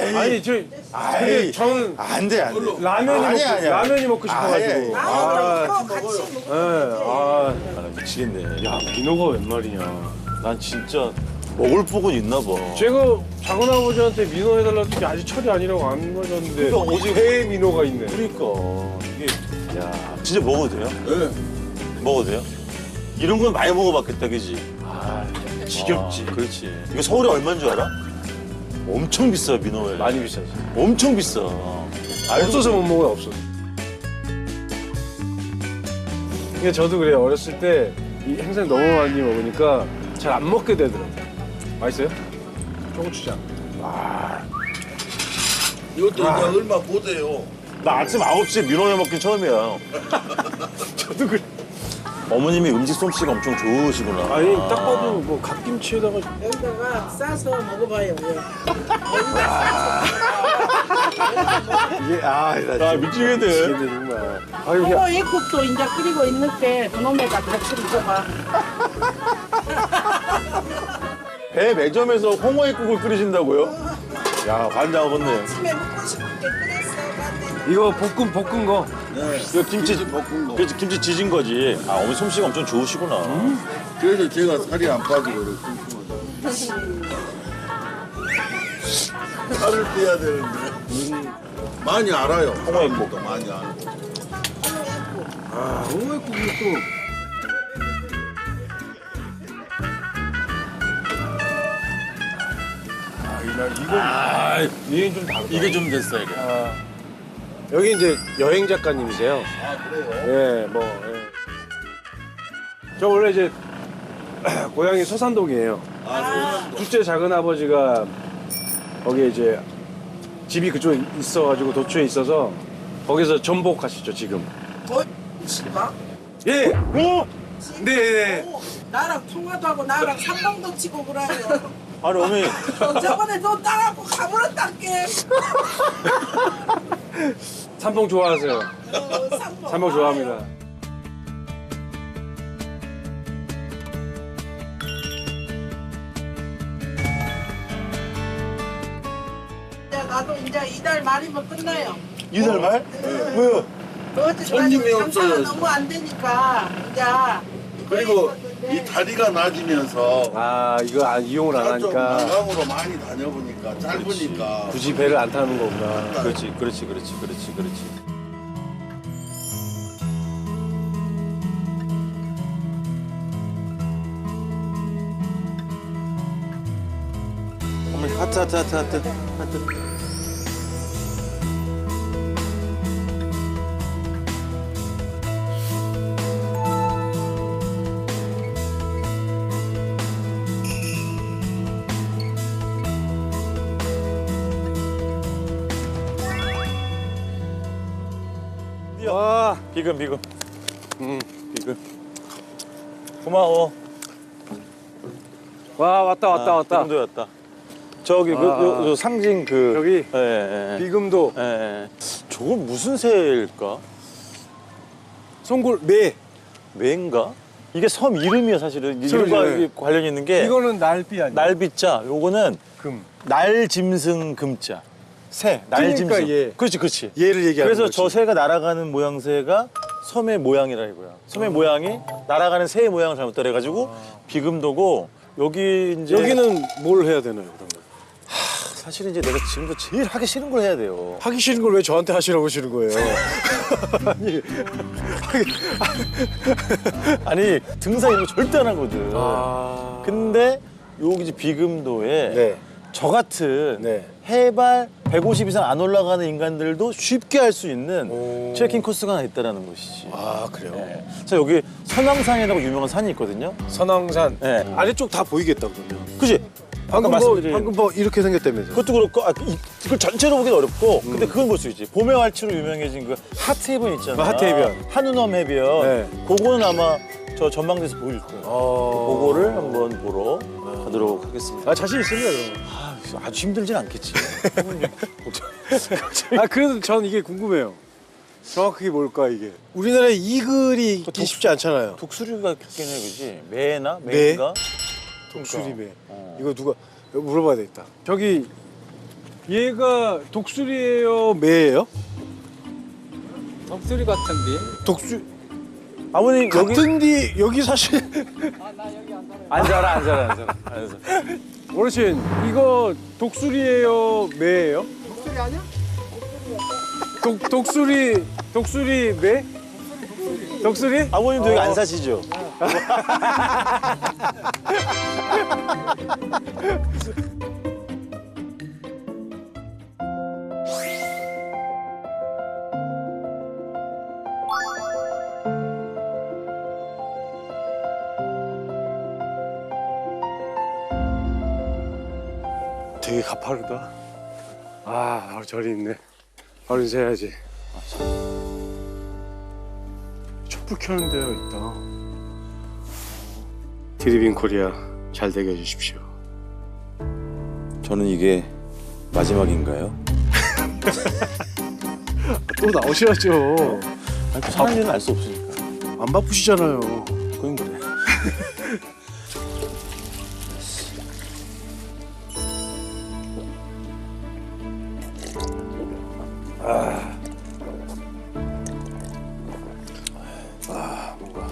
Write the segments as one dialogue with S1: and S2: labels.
S1: 아니 근데 저는
S2: 안 돼, 안 돼.
S1: 라면이 먹고 싶어가지고.
S2: 미치겠네.
S1: 야 민호가 웬 말이냐.
S2: 난 진짜 먹을 복은 있나 봐.
S1: 제가 작은 아버지한테 민호 해달라는 게 아직 철이 아니라고 안 가졌는데
S2: 그러니까 오직
S1: 회 민호가 있네.
S2: 그러니까 이게 야 진짜 먹어도 돼요? 네. 먹어도 돼요? 이런 건 많이 먹어봤겠다, 그지?
S1: 지겹지.
S2: 그렇지. 이거 서울에 얼마인 줄 알아? 엄청 비싸, 민호회.
S1: 많이 비싸지.
S2: 엄청 비싸.
S1: 없어서 못 먹어요, 없어서. 그러니까 저도 그래요. 어렸을 때 이 행사를 너무 많이 먹으니까 잘 안 먹게 되더라고요. 맛있어요? 초고추장.
S3: 이것도 이제 얼마 못해요.
S2: 나 아침 9시에 민호회 먹긴 처음이야.
S1: 저도 그래.
S2: 어머님이 음식 솜씨가 엄청 좋으시구나.
S1: 아니 딱 봐도 뭐 갓김치에다가
S4: 여기다가 싸서 먹어봐요.
S1: 이게
S2: 나 미치겠네.
S1: 정말. 아유 그냥
S4: 홍어 애국도 이제 끓이고 있는데 그놈에다 같이 먹어봐.
S2: 배 매점에서 홍어국을 끓이신다고요? 야, 관장 아버님.
S4: 아침에 먹고 싶은 게 끓였어.
S1: 이거 볶은 거.
S2: 이거 김치 볶은 거. 그렇지, 김치 지진 거지. 아, 어머니 솜씨가 엄청 좋으시구나.
S3: 그래서 제가 살이 안 빠지고 이렇게 살을 빼야 되는데 많이 알아요.
S2: 홍어국도
S3: 많이 알고.
S1: 홍어국이 또 이건 좀 다르다.
S2: 이게 좀 됐어, 이게.
S1: 여기 이제 여행 작가님이세요.
S3: 아 그래요?
S1: 예, 뭐. 예. 저 원래 이제 고향이 서산동이에요. 둘째 작은 아버지가 거기에 이제 집이 그쪽에 있어가지고 도초에 있어서 거기서 전복하시죠 지금.
S4: 치마?
S1: 예. 오. 네.
S4: 나랑 통화도 하고 나랑 삼방도 치고 그래요.
S2: 아니, 어머니.
S4: 저번에 너 따라고 가버렸단게.
S1: 삼봉 좋아하세요? 삼봉 좋아합니다.
S4: 나도 이제 이달 말이면 끝나요.
S2: 이달 말? 왜요?
S3: 손님이
S4: 장사가
S3: 없어요.
S4: 너무 안 되니까 이제.
S3: 그리고 이 다리가 낮으면서
S1: 아 이거 이용을 안
S3: 좀
S1: 하니까
S3: 나강으로 많이 다녀보니까 짧으니까
S1: 굳이 배를 안 타는 거구나.
S2: 그렇지. 어머니, 하트.
S1: 와.
S2: 비금. 비금. 고마워.
S1: 와 왔다.
S2: 비금도 왔다. 저기 그 상징 그
S1: 여기
S2: 예.
S1: 비금도
S2: 예. 저건 무슨 새일까?
S1: 송골 매.
S2: 매인가? 이게 섬 이름이야 사실은.
S1: 섬
S2: 이름과
S1: 이름.
S2: 관련 있는 게
S1: 이거는 날비 아니야?
S2: 날비자. 요거는
S1: 금.
S2: 날짐승 금자. 새. 날짐승.
S1: 그러니까 얘.
S2: 그렇지.
S1: 얘를 얘기하는
S2: 그래서
S1: 거지.
S2: 저 새가 날아가는 모양새가 섬의 모양이라 이거야. 섬의 모양이 날아가는 새의 모양을 잘못 따라해가지고 비금도고 여기 이제
S1: 여기는 뭘 해야 되나요 그러면?
S2: 사실은 이제 내가 지금도 제일 하기 싫은 걸 해야 돼요.
S1: 하기 싫은 걸 왜 저한테 하시라고 하시는 거예요? 아니,
S2: 아니 등산 이런 거 절대 안 하거든.
S1: 아.
S2: 근데 여기 이제 비금도에
S1: 네.
S2: 저 같은
S1: 네.
S2: 해발 150 이상 안 올라가는 인간들도 쉽게 할 수 있는
S1: 오.
S2: 트레킹 코스가 하나 있다라는 것이지.
S1: 아 그래요?
S2: 네. 자 여기 선왕산이라고 유명한 산이 있거든요.
S1: 선왕산.
S2: 네.
S1: 아래쪽 다 보이겠다 그러면.
S2: 그지?
S1: 방금
S2: 아까
S1: 뭐
S2: 말씀드린
S1: 방금 뭐 이렇게 생겼다면서.
S2: 그것도 그렇고 이걸 전체로 보기는 어렵고 근데 그건 볼 수 있지. 봄의 활치로 유명해진 그 하트해변 있잖아.
S1: 하트해변.
S2: 한우넘 해변.
S1: 네.
S2: 그거는 아마 저 전망대에서 보일 거예요.
S1: 어.
S2: 그거를 한번 보러 가도록 하겠습니다.
S1: 아 자신 있습니다 그럼.
S2: 아주 힘들진 않겠지.
S1: 아 그래도 전 이게 궁금해요. 정확하게 뭘까 이게? 우리나라에 이글이 있기 쉽지 않잖아요.
S2: 독수리가 있긴 해, 그지? 매나?
S1: 매?
S2: 매인가?
S1: 독수리매. 이거 누가 물어봐야 되겠다. 저기 얘가 독수리예요, 매예요?
S5: 독수리 같은데.
S1: 독수
S2: 아버님 여기
S1: 같은디 여기 사실
S2: 앉아라.
S1: 어르신 이거 독수리예요, 매예요? 독수리 아니야? 독수리 매? 독수리?
S2: 아버님도 여기 안 사시죠?
S1: 되게 가파르다. 아, 바로 절이 있네. 바로 인사해야지. 촛불 켜는 데가 있다. 드리빙 코리아 잘 되게 해주십시오.
S2: 저는 이게 마지막인가요?
S1: 또 나오셔야죠.
S2: 아니, 사는 일은 알 수 없으니까.
S1: 안 바쁘시잖아요.
S2: 그건 그래.
S1: 뭔가.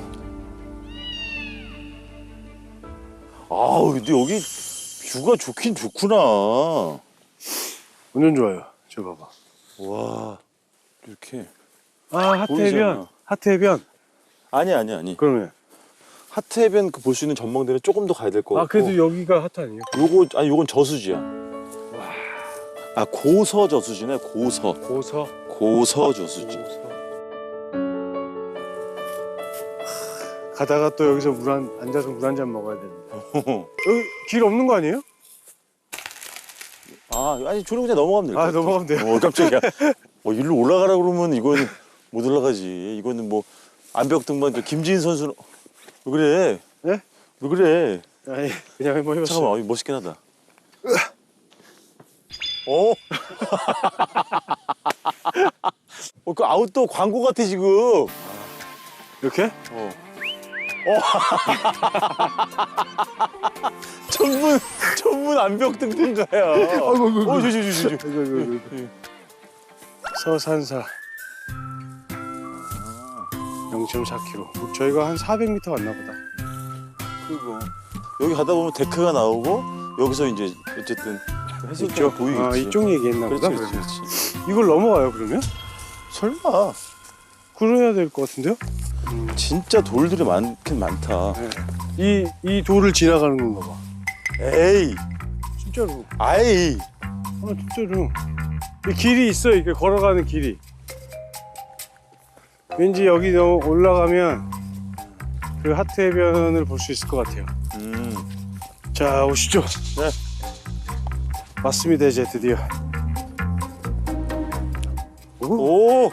S2: 아우, 근데 여기 뷰가 좋긴 좋구나.
S1: 완전 좋아요. 저 봐봐.
S2: 와, 이렇게.
S1: 아, 하트해변.
S2: 보이잖아.
S1: 하트해변.
S2: 아니.
S1: 그러면.
S2: 하트해변 그 볼 수 있는 전망대는 조금 더 가야 될 것 같고.
S1: 아, 그래도 여기가 하트 아니에요?
S2: 요건 저수지야. 아, 고서 저수지네, 고서.
S1: 고서.
S2: 고서 저수지.
S1: 가다가 또 여기서 앉아서 물 한 잔 먹어야 됩니다. 여기 길 없는 거 아니에요?
S2: 아, 아니, 저런 그냥 넘어가면 될 것
S1: 아,
S2: 같아.
S1: 넘어가면 돼요.
S2: 깜짝이야. 일로 올라가라 그러면 이건 못 올라가지. 이거는 뭐, 암벽등반, 김지인 선수는. 왜 그래?
S1: 네?
S2: 왜 그래?
S1: 아니, 그냥 한번 해봤어요.
S2: 잠깐만, 멋있긴 하다. 어? 그 아웃도어 광고 같아, 지금.
S1: 이렇게?
S2: 전문 암벽등반가야. 저.
S1: 서산사 0.4km. 저희가 한 400m 왔나 보다.
S2: 그리고 여기 가다 보면 데크가 나오고 여기서 이제 어쨌든 해수욕장 보이겠지.
S1: 아, 이쪽 얘기했나 보다.
S2: 그렇지.
S1: 그러면. 이걸 넘어가요, 그러면?
S2: 설마.
S1: 그래야 될 것 같은데요?
S2: 진짜 돌들이 많긴 많다.
S1: 이 돌을 지나가는 건가 봐.
S2: 에이,
S1: 진짜로.
S2: 아이.
S1: 아, 진짜로. 이 길이 있어, 이게 걸어가는 길이. 왠지 여기 올라가면 그 하트해변을 볼 수 있을 것 같아요. 자, 오시죠.
S2: 네.
S1: 맞습니다, 이제 드디어.
S2: 오.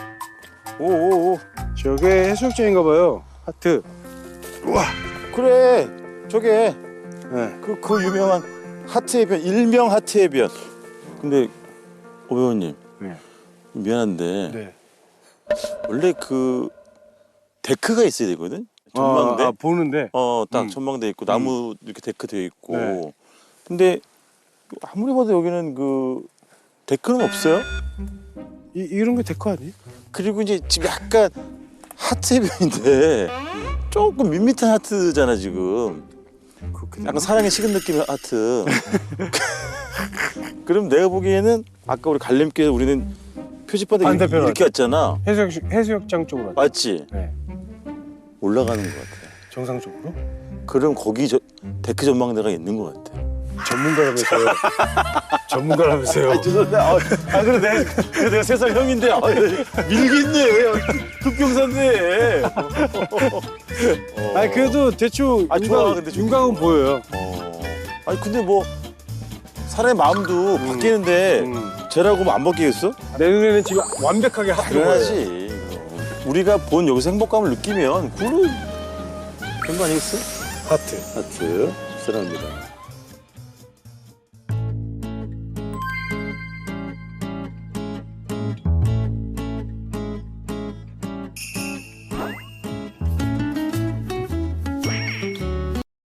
S1: 저게 해수욕장인가 봐요. 하트. 우와.
S2: 그래. 저게
S1: 네.
S2: 그 유명한 하트해변, 일명 하트해변. 근데 오 배우님.
S1: 네.
S2: 미안한데
S1: 네.
S2: 원래 그 데크가 있어야 되거든. 전망대.
S1: 아, 보는데.
S2: 딱 전망대 있고 나무 이렇게 데크 되어 있고.
S1: 네.
S2: 근데 아무리 봐도 여기는 그 데크는 없어요.
S1: 이런 게 데크 아니에요?
S2: 그리고 이제 지금 약간 하트 해변인데 조금 밋밋한 하트잖아 지금.
S1: 그렇게
S2: 약간 사랑에 식은 느낌의 하트. 그럼 내가 보기에는 아까 우리 갈림길에서 우리는 표지바닥
S1: 반대편으로
S2: 이렇게 왔잖아.
S1: 해수욕장 쪽으로 왔죠.
S2: 맞지?
S1: 네.
S2: 올라가는 것 같아.
S1: 정상적으로?
S2: 그럼 거기 데크 전망대가 있는 것 같아.
S1: 전문가라면서요. 전문가라면서요.
S2: 죄송합니다. 그래 내가 3살 형인데 밀겠네. 왜 흑경사인데.
S1: 아니 그래도 대충
S2: 좋아, 근데 좀
S1: 윤곽은 보여요.
S2: 아니 근데 뭐 사람의 마음도 바뀌는데 쟤라고 뭐 안 바뀌겠어?
S1: 내 눈에는 지금 완벽하게 하트로 보여요.
S2: 당연하지. 우리가 본 여기서 행복감을 느끼면 그걸로 된 거 아니겠어?
S1: 하트.
S2: 하트 사랑합니다.